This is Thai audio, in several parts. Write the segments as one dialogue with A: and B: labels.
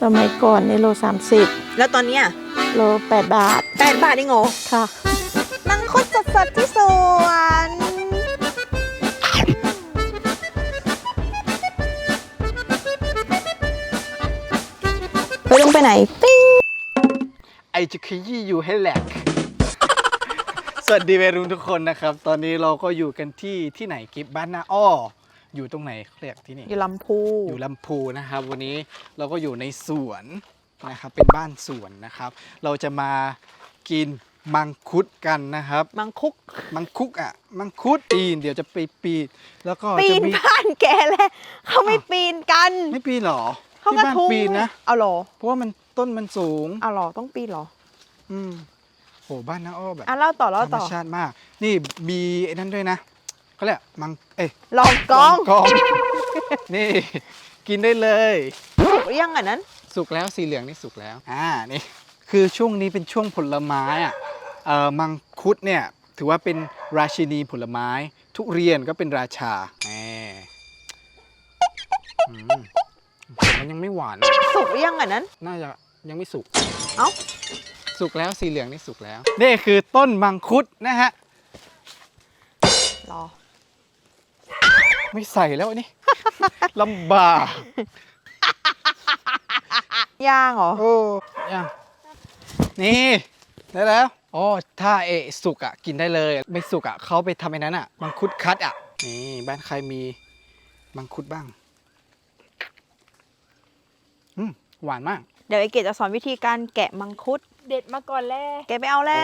A: สมัยก่อนในโล30
B: แล้วตอนเนี้ย
A: โล8 บาท
B: 8 บาทเองเหรอ
A: ค่ะ
B: มังคุดสดๆที่สวนไปลงไปไหนปิ้ง
C: ไอจะขยี้อยู่ให้แหลก สวัสดีวัยรุ่นทุกคนนะครับ ตอนนี้เราก็อยู่กันที่ไหนกิฟบ้านนาอ้ออยู่ตรงไหนเรียกที่นี่
B: อยู่ลำพู
C: อยู่ลำพูนะครับวันนี้เราก็อยู่ในสวนนะครับเป็นบ้านสวนนะครับเราจะมากินมังคุดกันนะครับ
B: มังคุด
C: มังคุดปีนเดี๋ยวจะไปปีนแล้วก็
B: ปีนบ้านแกแล้วเขาไม่ปีนกัน
C: ไม่ปีนหรอ
B: เขาก็ทุบ
C: ปีนนะ
B: เอาหรอ
C: เพราะว่ามันต้นมันสูง
B: เอาหรอต้องปีนหรอ
C: โหบ้านน้าอ้อแบบ
B: เล่าต่อ
C: ธรรมชาติมากนี่มีไอ้นั่นด้วยนะเขาเรียก
B: ลองกอง
C: นี่กินได้เลย
B: สุกหรือยังนั้น
C: สุกแล้วสีเหลืองนี่สุกแล้วนี่คือช่วงนี้เป็นช่วงผลไม้มังคุดเนี่ยถือว่าเป็นราชินีผลไม้ทุเรียนก็เป็นราชามันยังไม่หวาน
B: สุกหรือยังนั้น
C: น่าจะยังไม่สุก
B: เอ้า
C: สุกแล้วสีเหลืองนี่สุกแล้วนี่คือต้นมังคุดนะฮะ
B: รอ
C: ไม่ใส่แล้วอันนี้ ลำบาก
B: ย่างเหรอ
C: ย่างนี่ได้แล้วอ๋อถ้าสุกกินได้เลยไม่สุกเขาไปทำไอ้นั้นมังคุดคัดนี่บ้านใครมีมังคุดบ้างหวานมาก
B: เดี๋ยวไอเกดจะสอนวิธีการแกะมังคุด
A: เด็ดมาก่อนแล่
B: แกไปเอาแล่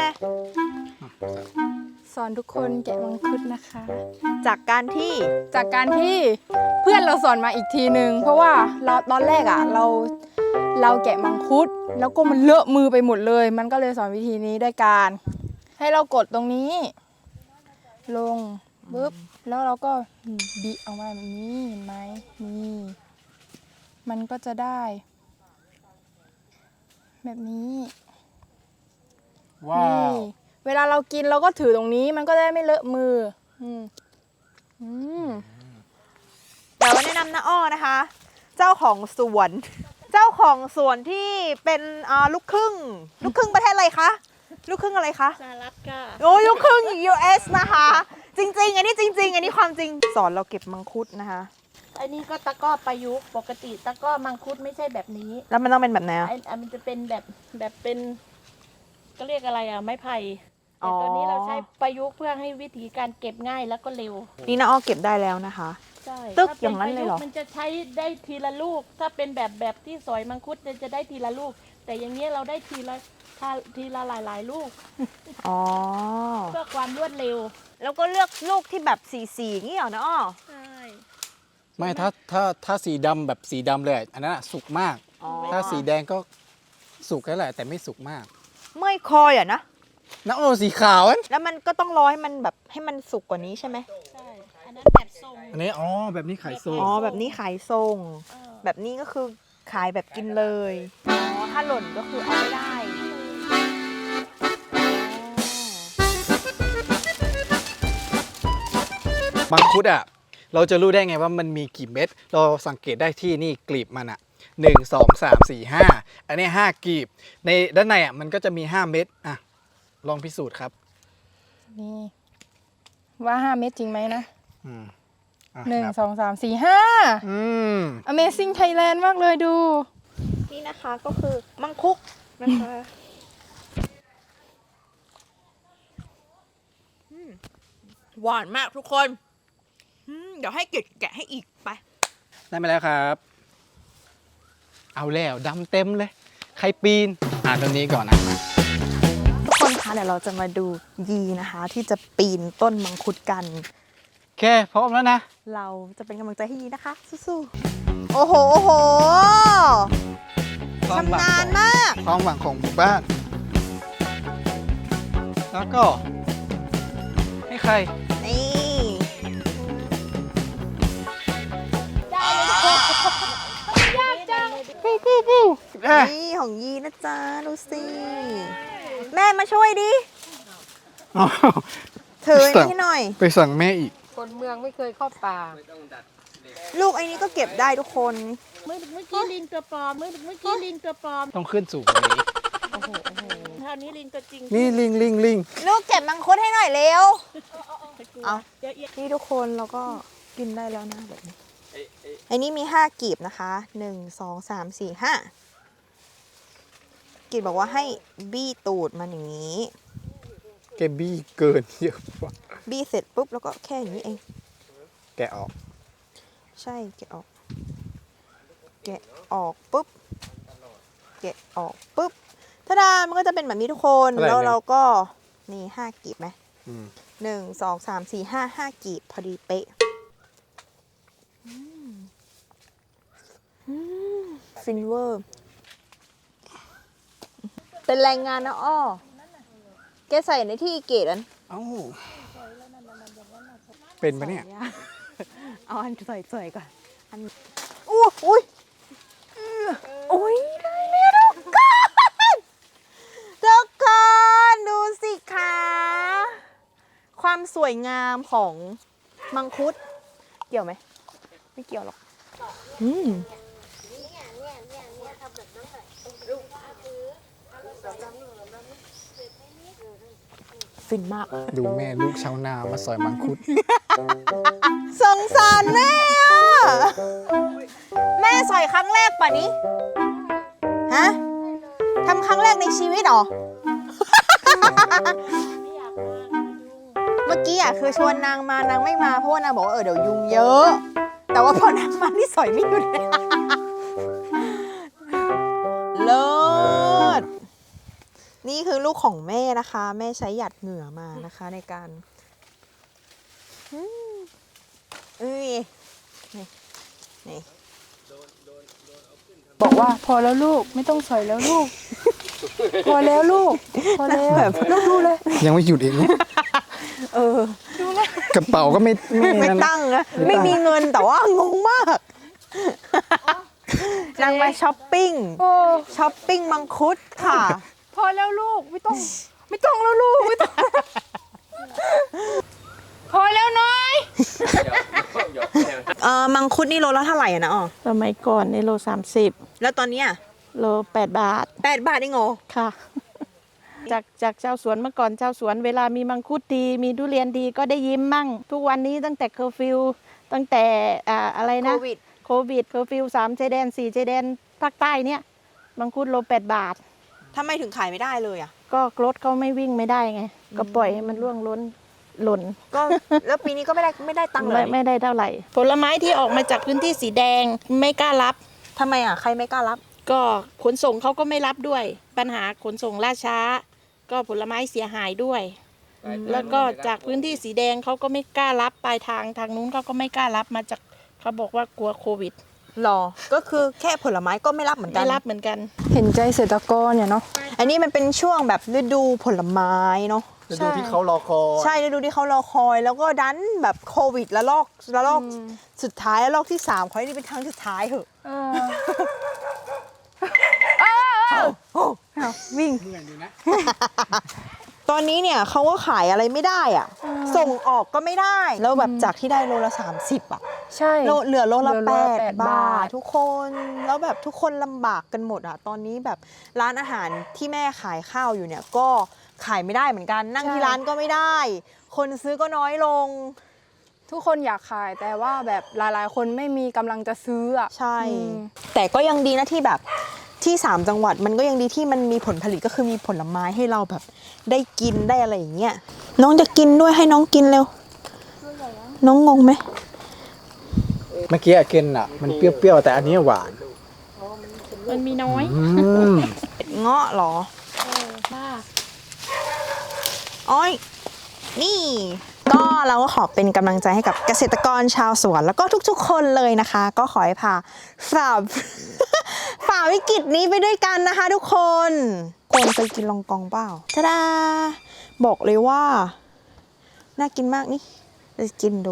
A: สอนทุกคนแกะมังคุดนะคะ
B: จากการที่
A: เพื่อนเราสอนมาอีกทีนึงเพราะว่าเราตอนแรกเราแกะมังคุดแล้วก็มันเลอะมือไปหมดเลยมันก็เลยสอนวิธีนี้ด้วยการให้เรากดตรงนี้ลงปึ๊บแล้วเราก็บิออกมาแบบนี้เห็นไหมนี่มันก็จะได้แบบนี้
C: ว้าว
A: เวลาเรากินเราก็ถือตรงนี้มันก็ได้ไม่เลอะมือ
B: แต่ว่าแนะนำนะอ้อนะคะเจ้าของสวนที่เป็นลูกครึ่งประเทศอะไรคะลูกครึ่งอะไรคะ
A: สหรัฐค่ะ
B: โอ้ลูกครึ่ง US นะคะจริงๆอันนี้จริงๆอันนี้ความจริงสอนเราเก็บมังคุดนะคะ
D: อันนี้ก็ตะก้อประยุกต์ปกติตะก้อมังคุดไม่ใช่แบบนี้
B: แล้วมันต้องเป็นแบบไหน
D: มันจะเป็นแบบเป็นก็เรียกอะไรไม้ไผ่แต่ตอนนี้เราใช้ประยุกต์เพื่อให้วิธีการเก็บง่ายแล้วก็เร็ว
B: นี่นะอ้อเก็บได้แล้วนะคะ
D: ใช่
B: ตึกอย่างนั้นเลยเหรอ
D: มันจะใช้ได้ทีละลูกถ้าเป็นแบบที่สอยมังคุดจะได้ทีละลูกแต่อย่างนี้เราได้ทีละหลายลูกเพื่อความรวดเร็ว
B: แล้วก็เลือกลูกที่แบบสีอย่างนี้เหรอนะอ้อ
D: ใช่
C: ไม่ถ้าสีดำแบบสีดำเลยอันนั้นสุกมากถ้าสีแดงก็สุกแล้วแหละแต่ไม่สุกมาก
B: เมื่อยคอยนะ
C: โอ้สีขาว
B: แล้วมันก็ต้องรอให้มันแบบให้มันสุกกว่านี้ใช่ไหม
D: ใช่อันนั้นแบบทรง
C: อันนี้แบบนี้ขายทรง
B: แบบนี้ขายทรงแบบนี้ก็คือขายแบบกินเลยถ้าหล่นก็คือเอาไม่ได้
C: มังคุดเราจะรู้ได้ไงว่ามันมีกี่เม็ดเราสังเกตได้ที่นี่กลีบมัน1 2 3 4 5อันนี้5กลีบในด้านในมันก็จะมี5เม็ดลองพิสูจน์ครับ
A: นี่ว่า5 เม็ดจริงไหมนะ1 2 3 4 5 Amazing Thailand มากเลยดู
B: นี่นะคะก็คือมังคุดนะคะหวานมากทุกคนเดี๋ยวให้เกดแกะให้อีกไป
C: ได้มาแล้วครับเอาแล้วดำเต็มเลยใครปีนตรงนี้ก่อนนะ
B: ทุกคนคะเดี๋ยวเราจะมาดูยีนะคะที่จะปีนต้นมังคุดกัน
C: แค่พร้อมแล้วนะ
B: เราจะเป็นกำลังใจให้ยีนะคะสู้ๆโอ้โหชำนาญมาก
C: ความหวังของหมู่บ้านแล้วก็ให้ใคร
B: นี่
D: ยากจัง
B: นี่ของยีนะจ๊ะดูสิแม่มาช่วยดิถือนี่หน่อย
C: ไปสั่งแม่อีก
A: คนเมืองไม่เคยเข้าป่า
B: ลูกไอ้นี้ก็เก็บได้ทุกคน
D: เมื่อกี้ลิงตัวปลอมเมื่อกี้ลิงตัวปลอม
C: ต้องขึ้นสูงกว่านี้
D: เท่านี้ลิงตัวจริง
C: นี่ลิง
B: ลูกเก็บมังคุดให้หน่อยเร็ว เอา
D: เดี๋ยวเอีย
B: นี่ทุกคนเราก็กินได้แล้วนะแบบนี้ไอ้นี่มี5กีบนะคะ1 2 3 4 5กีบบอกว่าให้บี้ตูดมันอย่างนี้
C: แกบี้เกินเยอะกว่า
B: บี้เสร็จปุ๊บแล้วก็แค่อย่างนี้เอง
C: แกะออก
B: ใช่แกะออก แกะออกปุ๊บ แกะออกปุ๊บทาดามันก็จะเป็นแบบนี้ทุกคน แล้วเราก็นี่5กีบไหม
C: อืม
B: 1 2 3 4 5กีบพอดีเป๊ะฟินเวอร์ เป็นแรงงานนะอ้อ แกใส่ในที่เกตอัน
C: เอ้าเป็นปะเนี่ย
B: เอาอันสวยๆก่อน อันอุ้ยอุ้ยอุ้ยได้แล้วทุกคนทุกคนดูสิคะ ความสวยงามของมังคุด เกี่ยวไหม ไม่เกี่ยวหรอกฟินมาก
C: ดูแม่ลูกชาวนามาสอยมังคุด
B: สงสารแม่อะแม่สอยครั้งแรกป่ะนี้ฮะทำครั้งแรกในชีวิตเหรอ เมื่อกี้อ่ะคือชวนนางมานางไม่มาเพราะว่านางบอกว่าเดี๋ยวยุงเยอะ แต่ว่าพอนางมานี่สอยไม่หยุดเลย เลิศนี่คือลูกของแม่นะคะ แม่ใช้หยัดเหงื่อมานะคะในการเอ้ยนี่
A: บอกว่าพอแล้วลูกไม่ต้องสอยแล้วลูก พอแล้วลูก พอแล้วลูกดูเลย
C: ยังไม่หยุดอีกนะ กระเป๋าก็ไม่
B: ไม่
C: นั่น
B: ตั้งนะไม่มีเงินแต่ว่างงมากนางมาช้อปปิ้ง
A: โอ้
B: ช้อปปิ้งมังคุดค่ะ
A: พอแล้วลูกไม่ต้องแล้วลูกไม่ต้อง พอแล้วน้อย
B: มังคุดนี่โลละเท่าไหร่อะนะอ๋อ
D: สมัยก่อนในโล30
B: แล้วตอนเนี้ย
D: โล8 บาท
B: 8 บาทเองเหรอ
D: ค่ะ จากเจ้าสวนเมื่อก่อนเจ้าสวนเวลามีมังคุดดีมีทุเรียนดีก็ได้ยิ้มมั่ง ทุกวันนี้ตั้งแต่เคอร์ฟิวตั้งแต่อะไรนะ
B: โควิด
D: เคอร์ฟิว3 ชายแดน 4 ชายแดนภาคใต้เนี่ยมังคุดโล8 บาท
B: ทำไมถึงขายไม่ได้เลยอ่ะ
D: ก็รถเขาไม่วิ่งไม่ได้ไง ก็ปล่อยให้มันร่วงล้นหล่น
B: ก็แล้วปีนี้ก็ไม่ได้ตังค์เลย
D: ไม่ได้เท่าไหร่ ผลไม้ที่ออกมาจากพื้นที่สีแดงไม่กล้ารับ
B: ทำไมอ่ะใครไม่กล้ารับ
D: ก็ขนส่งเขาก็ไม่รับด้วย ปัญหาขนส่งล่าช้า ก็ผลไม้เสียหายด้วย แล้วก็จากพื้นที่สีแดงเขาก็ไม่กล้ารับปลายทางนู้นเขาก็ไม่กล้ารับมาจากเขาบอกว่ากลัวโควิด
B: หรอ ก็คือแค่ผลไม้ก็ไม่รับเหมือนกั
D: ไม่
B: น
D: รับเหมือนกัน
A: เห็นใจเกษตรกรเนี่ยเนาะ
B: อันนี้มันเป็นช่วงแบบฤดูผลไม้เนาะ
C: ฤดูที่เขารอคอย
B: ใช่ฤดูที่เขารอคอย แล้วก็ดันแบบโควิดแล้วลอกสุดท้ายแล้วลอกที่3ขอให้นี่เป็นครั้งสุดท้ายเถอะวิ่ง
C: เหนื่อยอยู่นะ
B: ตอนนี้เนี่ยเขาก็ขายอะไรไม่ได้อ่ะ ส่งออกก็ไม่ได้ แล้วแบบจากที่ได้โลละ30อ่ะ
A: ใช่
B: เหลือโลละ
A: เหลือโลละ
B: 8 บาททุกคน แล้วแบบทุกคนลำบากกันหมดอ่ะ ตอนนี้แบบร้านอาหารที่แม่ขายข้าวอยู่เนี่ยก็ขายไม่ได้เหมือนกัน นั่งที่ร้านก็ไม่ได้ คนซื้อก็น้อยลง
A: ทุกคนอยากขายแต่ว่าแบบหลายๆ คนไม่มีกำลังจะซื้ออ่ะ
B: ใช่
A: อืม
B: แต่ก็ยังดีนะที่แบบที่3จังหวัดมันก็ยังดีที่มันมีผลผลิตก็คือมีผลไม้ให้เราแบบได้กินได้อะไรอย่างเงี้ยน้องจะกินด้วยให้น้องกินเร็วน้องงงไหม
C: เมื่อกี้อะเกนอ่ะ มันเปรี้ยวๆแต่อันนี้หวาน
D: มันมีน้อย
B: เงาะเหรอ
D: บ้า
B: อ้อยนี่ก็เราก็ขอเป็นกำลังใจให้กับเกษตรกรชาวสวนแล้วก็ทุกๆ คนเลยนะคะ ก็ขอให้ฝ่า ฝ่าวิกฤตนี้ไปด้วยกันนะคะ ทุกคนควรไปกินลองกองเปล่าทะดาบอกเลยว่าน่ากินมากนี่จะกินดู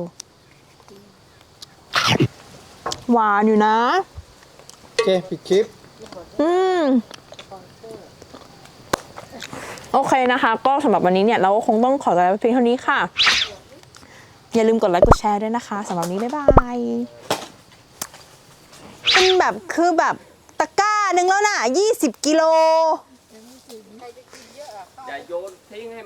B: หวานอยู่นะ
C: โอเคปิดคลิป
B: โอเคนะคะ ก็สำหรับวันนี้เนี่ยเราก็คงต้องขอตัวลาไปเพียงเท่านี้ค่ะ อย่าลืมกดไลค์กดแชร์ด้วยนะคะสำหรับวันนี้บ๊ายบายแบบคือแบบตะกร้าหนึ่งแล้วน่ะ20 กิโล
E: อย่าโยนทิ้งให้